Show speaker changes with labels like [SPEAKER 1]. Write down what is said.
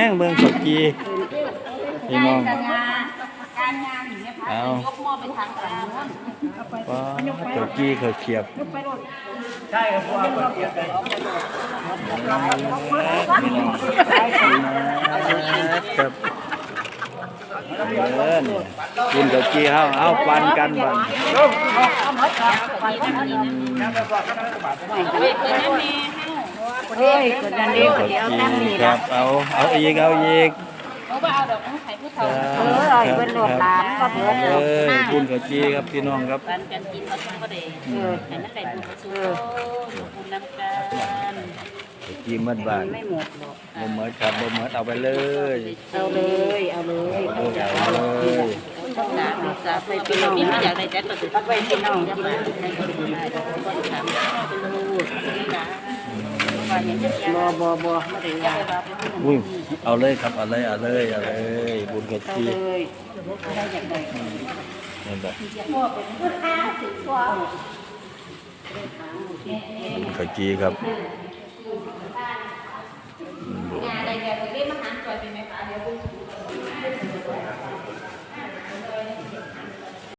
[SPEAKER 1] งเมืองสกีพี่น้อง
[SPEAKER 2] การงานอย่างเงี้ยค่ะยกหม้อไปทางฝั่งนู้น
[SPEAKER 1] ว้าสกีเขาเขียบ
[SPEAKER 3] ใช่ครับว่าคนเกียรติ
[SPEAKER 1] พี่น้องครับกินสกีเอาปันกันบ้าง
[SPEAKER 2] เฮ้ยคนนั้นดีคนเดียวนั่งนี่
[SPEAKER 1] ค
[SPEAKER 2] นะ
[SPEAKER 1] รับเอาอีก
[SPEAKER 2] เอาไปเอาดอกไม้ผู้เฒ่าเป็นหลวงหลานก็เบื่อเลย
[SPEAKER 1] บุญสกีครับพี่น้องครับ
[SPEAKER 2] ปันกันกินมาทุ่งก็ได้แต่นั่นได้บุญสูงบุญน้ำกัน
[SPEAKER 1] สกีมัดบ้าน
[SPEAKER 2] ไม่หมดหรอก
[SPEAKER 1] บ่หมดครับบ่หมดเอาไปเลย
[SPEAKER 2] เอาเลยเอาเลยต้องหาดูซาไปพี่น้องไม่อยากได้แต่ก็ไปพี่น้องกินได้ก็ถามไปลูกนะบ่ไม่ได้ยา
[SPEAKER 1] อุ้ยเอาเลยครับเอาเลยบุญสกีนั่นแหละสกีครับ
[SPEAKER 2] อะไรเนี่ยจะเรียกมาหาจอยเป็นไหมคะเดี๋ยว